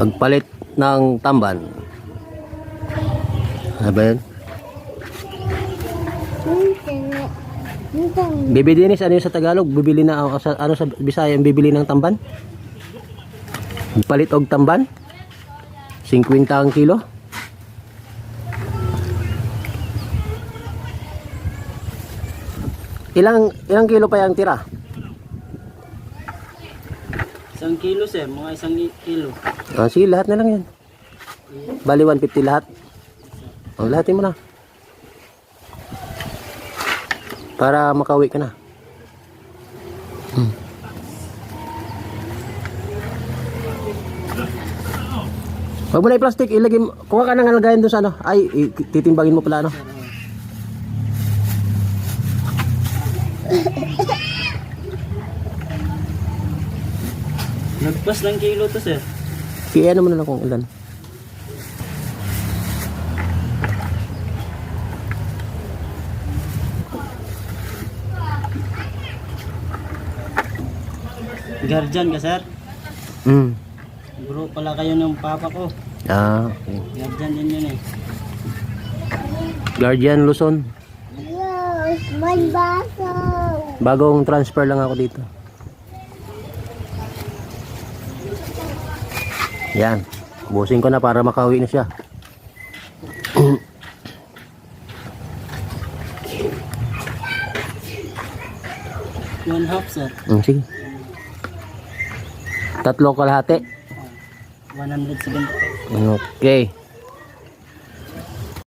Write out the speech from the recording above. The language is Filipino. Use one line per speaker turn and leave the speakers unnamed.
Magpalit ng tamban. Ano ba yun? Baby Dennis, ano yun sa Tagalog? Bibili na, ano sa Bisaya, bibili ng tamban? Magpalit og tamban? 50 ang kilo? Ilang kilo pa yung tira?
1 kilo sir, mga 1 kilo.
Sige, lahat na lang yan. Bali 150 lahat. Lahatin mo na. Para makauwi ka na. Wag mo na i-plastic, ilagay mo. Kuha ka ng alagayan doon sa ano. Ay, titimbangin mo pala ano.
Nagpas ng kilo to sir.
Kaya ano mo na lang kung ilan.
Guardian ka sir? Bro pala kayo ng papa ko.
Okay.
Guardian din yun eh.
Guardian Luzon.
Yes, may baso.
Bagong transfer lang ako dito. Yan. Busin ko na para makauwi na siya.
One half sir.
Sige. 3 kalahati.
170.
Okay.